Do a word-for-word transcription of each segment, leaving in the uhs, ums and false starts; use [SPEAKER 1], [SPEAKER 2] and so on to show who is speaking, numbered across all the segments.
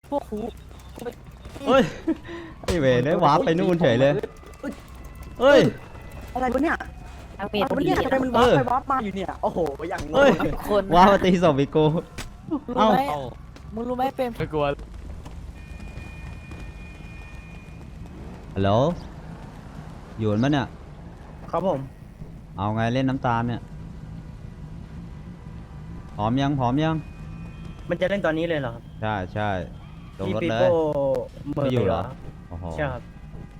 [SPEAKER 1] พวกครู
[SPEAKER 2] เฮ้ยไอเวรได้วาร์ปไปนู่นเฉยเลยเฮ้ย
[SPEAKER 1] อะไรวะเนี่ย
[SPEAKER 3] ทางเม
[SPEAKER 1] อะไร
[SPEAKER 3] ท
[SPEAKER 1] วะเนี่ยทำไมมันวาร์ปไปวาร์ปมาอยู่เนี่ยโอ้โหอย่างง
[SPEAKER 2] เฮ้ย
[SPEAKER 1] ง
[SPEAKER 3] คน
[SPEAKER 2] วาร์ปมาตีศพอีกกู
[SPEAKER 3] รู้ไหมมึงรู้ไหมเป็น
[SPEAKER 4] ไม่กลัว
[SPEAKER 2] ฮัลโหลอยู่มั้ยเนี่ย
[SPEAKER 1] ครับผม
[SPEAKER 2] เอาไงเล่นน้ำตาลเนี่ยพร้อมยังพร้อมยัง
[SPEAKER 1] มันจะเล่นตอนนี้เลยเหรอครับ
[SPEAKER 2] ใช่ใช่ลง
[SPEAKER 1] พี่
[SPEAKER 2] รถ
[SPEAKER 1] ปี
[SPEAKER 2] เลย
[SPEAKER 1] โป้เมอ
[SPEAKER 2] ไม่
[SPEAKER 1] ร์
[SPEAKER 2] อยู่
[SPEAKER 1] เห
[SPEAKER 2] เห
[SPEAKER 1] ร
[SPEAKER 2] ร
[SPEAKER 1] อ
[SPEAKER 2] อโอ้โห
[SPEAKER 1] ใช่ครับ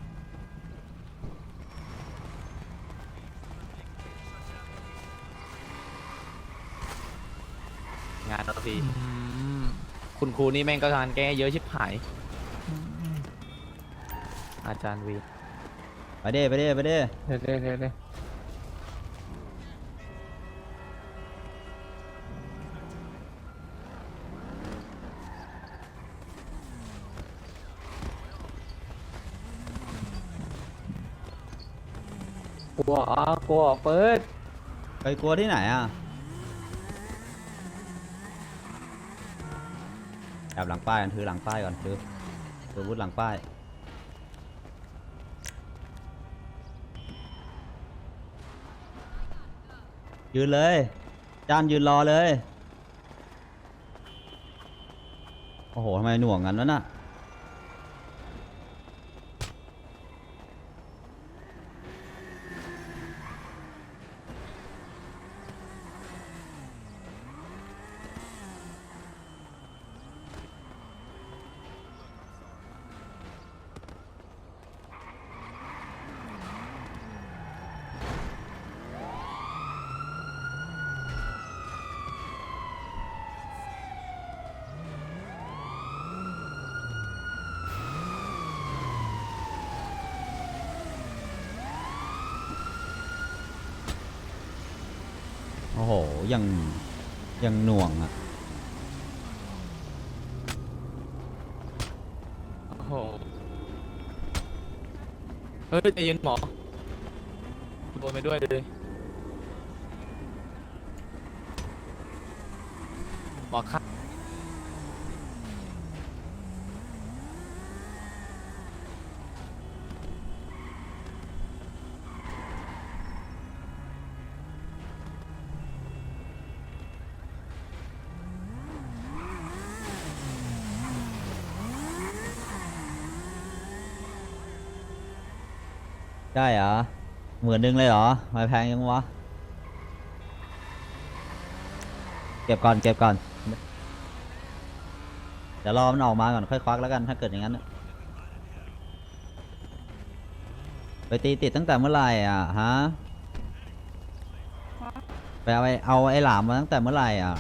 [SPEAKER 4] งานเราพี่คุณครูนี่แม่งก็งานแก้เยอะชิบหาย อาจารย์วี
[SPEAKER 2] ไปเด้ไปเด้ไปเด้
[SPEAKER 4] เด้เด้เด้เด้กลัวอ๋อกลัวเปิด
[SPEAKER 2] ไปกลัวที่ไหนอ่ะแอบหลังป้ายกันถือหลังป้ายก่อนถือถือวุธหลังป้ายยืนเลยจานยืนรอเลยโอ้โหทำไมหน่วงกันวะน่ะโอ้โหยังยังหน่วงอ่ะ
[SPEAKER 4] โอ้โหเฮ้ยใจเย็นหมอโดนไปด้วยเลยหมอครับ
[SPEAKER 2] ได้เหรอหมื่นหนึ่งเลยเหรอไม่แพงยังวะเก็บก่อนเก็บก่อนเดี๋ยวรอมันออกมาก่อนค่อยควักแล้วกันถ้าเกิดอย่างนั้นน่ะไปตีติดตั้งแต่เมื่อไหร่อ่ะฮะไปเอาไอ้เอาไอ้หลามมาตั้งแต่เมื่อไหร่อ่ะ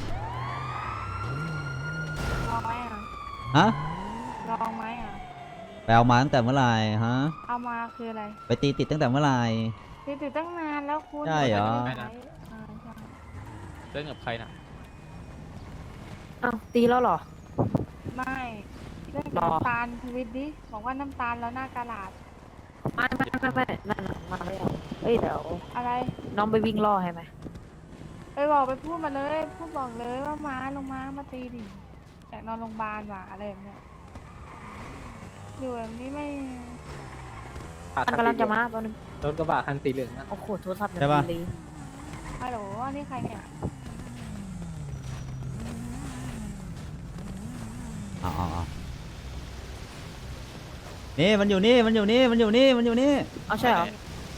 [SPEAKER 5] ลองไหมอ่ะ
[SPEAKER 2] ฮะ
[SPEAKER 5] ลองไหมอ่ะ
[SPEAKER 2] ไปเอามาตั้งแต่เมื่อไหร่ฮะ
[SPEAKER 5] เอามาคืออะไร
[SPEAKER 2] ไปตีติดตั้งแต่เมื่อไหร่
[SPEAKER 5] ติดติดตั้งนานแล้วคุณ
[SPEAKER 2] ใช่เหรอ
[SPEAKER 5] ไม่ได้ใช้อ่าใช่
[SPEAKER 4] เล่นกับใครนะ
[SPEAKER 3] อ้าวตีแล้วเหรอ
[SPEAKER 5] ไม่เรื่อง
[SPEAKER 3] หรอ
[SPEAKER 5] น้ำตาลทวิตดิบอกว่าน้ำตาลแล้วหน้ากระดาษ
[SPEAKER 3] ไม่ไม่ไม่ไม่นั่นน่ะมาแล้วเอ้ยเดี๋ยว
[SPEAKER 5] อะไร
[SPEAKER 3] น้องไปวิ่งล่อให้ไหม
[SPEAKER 5] ไปบอกไปพูดมาเลยพูดบอกเลยว่ามาลงมามาตีดิอยากนอนโรงพยาบาลว่ะอะไรแบบเนี้ยอยู่แบบนี้ไม่
[SPEAKER 3] มันกำลังจะมาแป๊บนึง
[SPEAKER 4] รถกระบะคันสีเหลืองนะ
[SPEAKER 3] โอ้โหโทรศัพท์
[SPEAKER 2] ใช่ปะ
[SPEAKER 3] เลย
[SPEAKER 5] ฮัลโหลอันนี้ใครเนี่ย
[SPEAKER 2] เอาเอาเอานี่มันอยู่นี่มันอยู่นี่มันอยู่นี่มันอยู่นี่
[SPEAKER 3] เอาใช่เหรอ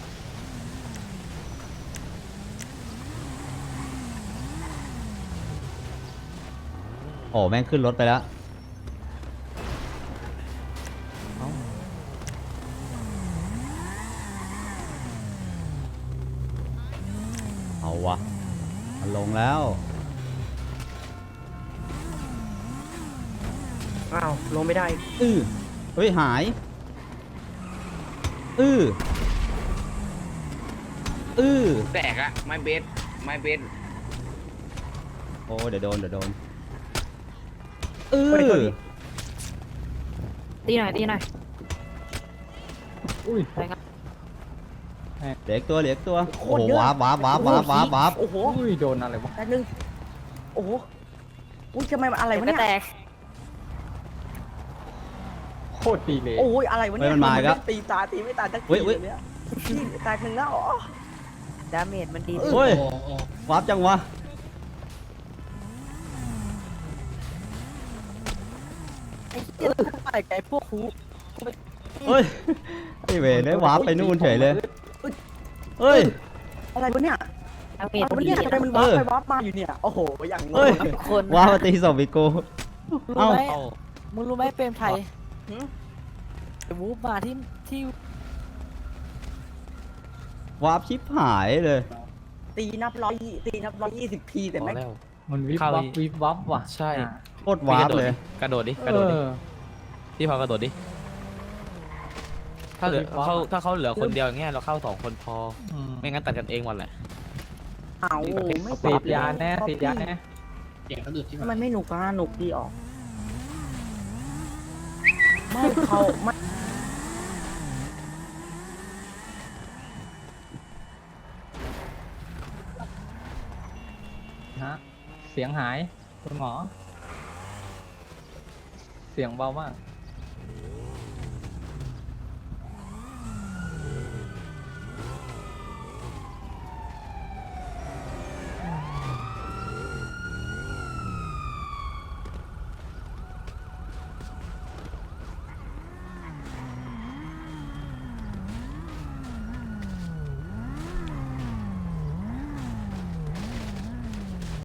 [SPEAKER 2] โอ้แม่งขึ้นรถไปแล้วเอาวะมันลงแล้ว
[SPEAKER 1] อ้าวลงไม่ได้
[SPEAKER 2] อือเฮ้ยหายอืออือ
[SPEAKER 6] แตกอะไม้เบสไม้เบส
[SPEAKER 2] โอ้เดี๋ยวโดนเดี๋ยวโดนอื
[SPEAKER 1] เฮ้ยโทษ
[SPEAKER 2] อ
[SPEAKER 1] ดิ
[SPEAKER 3] ตีหน่อยตีหน่อย
[SPEAKER 4] อุ้ย
[SPEAKER 3] ไปครับ
[SPEAKER 2] เหลืออีกตัวเหลืออีกตัว
[SPEAKER 1] โค
[SPEAKER 2] โอ้
[SPEAKER 1] ตร
[SPEAKER 2] โห
[SPEAKER 1] เยอะ
[SPEAKER 2] วาร์ปวาร์ปวาร์ปวาร์ปวาร์ปวาร์ป
[SPEAKER 1] โอ้โห
[SPEAKER 4] อุ้ยโดนอะไรวะ
[SPEAKER 1] แป๊บนึงโอ้โหอุ้ยทำไมมันอะไรวะ
[SPEAKER 3] ก็
[SPEAKER 1] เนี่ย
[SPEAKER 3] แตก
[SPEAKER 7] โคตรดีเลย
[SPEAKER 8] โอ้ยอะไรวะ
[SPEAKER 2] เฮ้
[SPEAKER 8] เนี่ย
[SPEAKER 2] ยมันมาอีกแล้ว
[SPEAKER 8] ตีตาตีไม่ตายสัก
[SPEAKER 2] เฮ้
[SPEAKER 8] ที
[SPEAKER 2] ยเฮ้ย
[SPEAKER 8] เนี่ยพี่แตกหนึ่งแล้วอ๋อ
[SPEAKER 3] ดาเมจมันดี
[SPEAKER 2] โอ้ย วาร์ปจังวะ
[SPEAKER 8] ไอ้เหี้ยไปไกลพวกครู
[SPEAKER 2] เฮ้ย ไอ้เวรได้วาร์ปไปนู่นเฉยเลย เฮ้ย
[SPEAKER 8] อะไรวะเนี่ย
[SPEAKER 3] ดาเมจ
[SPEAKER 8] อะไร
[SPEAKER 3] มัน
[SPEAKER 8] วะ
[SPEAKER 3] ดี
[SPEAKER 8] เนี่ยทำไมมันวาร์ปไปวาร์ปมาอยู่เนี่ยโอ้โหอย่างง
[SPEAKER 2] เฮ้ย
[SPEAKER 8] ง
[SPEAKER 3] คน
[SPEAKER 2] วาร์ปมาตีศพอีกกู เอ้า
[SPEAKER 4] เข้า
[SPEAKER 3] มึงรู้ไหมเปรมไทย
[SPEAKER 8] หืม
[SPEAKER 3] วูฟมาที่ที่
[SPEAKER 2] วาร์ปชิบหายเลย
[SPEAKER 8] ตีนับร้อยตีนับร้อยยี่สิบทีแต่
[SPEAKER 4] พอ
[SPEAKER 8] ไม่
[SPEAKER 4] แล้ว
[SPEAKER 7] มันวิบ
[SPEAKER 4] เข้า
[SPEAKER 7] วับ
[SPEAKER 4] อีก
[SPEAKER 7] วิบวับว่ะ
[SPEAKER 4] ใช่
[SPEAKER 7] อ่ะ
[SPEAKER 2] โคตรวาร์ปเลย
[SPEAKER 4] กระโดดดิ ก
[SPEAKER 7] เอ
[SPEAKER 4] ระโดดดิ
[SPEAKER 7] อ
[SPEAKER 4] พี่พอกระโดดดิ ถ้าเหลือ
[SPEAKER 7] วิบวับ
[SPEAKER 4] เขาถ้าเขาเหลือคนเดียวอย่างเงี้ยเราเข้าสองคนพอ
[SPEAKER 7] อืม
[SPEAKER 4] ไม่งั้นตัดกันเองหมดแหละ
[SPEAKER 8] เอาไม่
[SPEAKER 7] ติดยาแน่ติดยาแน่
[SPEAKER 8] ทำไมไม่หนุกอ่ะหนุกดีออกไม่เขาไม่
[SPEAKER 7] ฮะเสียงหายคุณหมอ เสียงเบามาก